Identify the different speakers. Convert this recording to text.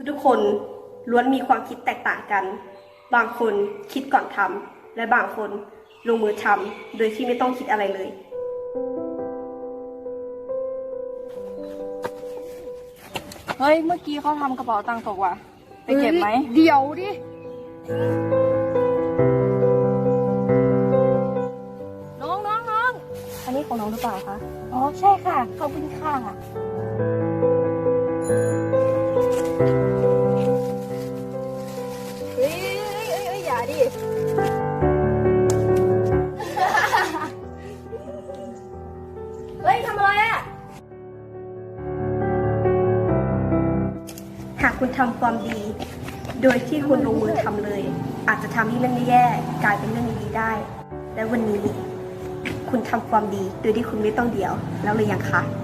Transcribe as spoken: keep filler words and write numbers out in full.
Speaker 1: ทุกๆคนล้วนมีความคิดแตกต่างกันบางคนคิดก่อนทำและบางคนลงมือทำโดยที่ไม่ต้องคิดอะไรเลย
Speaker 2: เฮ้ยเมื่อกี้เขาทำกระเป๋าตังค์ตกว่ะไปเก็บไหม
Speaker 3: เดี๋ยวดิ
Speaker 2: น้องน้องน้องอันนี้ของน้องหรือเปล่าคะ
Speaker 3: อ๋อใช่ค่ะขอบคุณค่ะ
Speaker 2: เฮ้ยเฮ้ยเฮ้ยเฮ้ยอย่าดิ เฮ้ยทำอะไรอ่ะ
Speaker 1: หากคุณทำความดี โดยที่คุณลงมือทำเลย อาจจะทำให้เรื่องแย่ๆกลายเป็นเรื่องดีๆได้ และวันนี้คุณทำความดีโดยที่คุณไม่ต้องเดี่ยวแล้วหรือยังคะ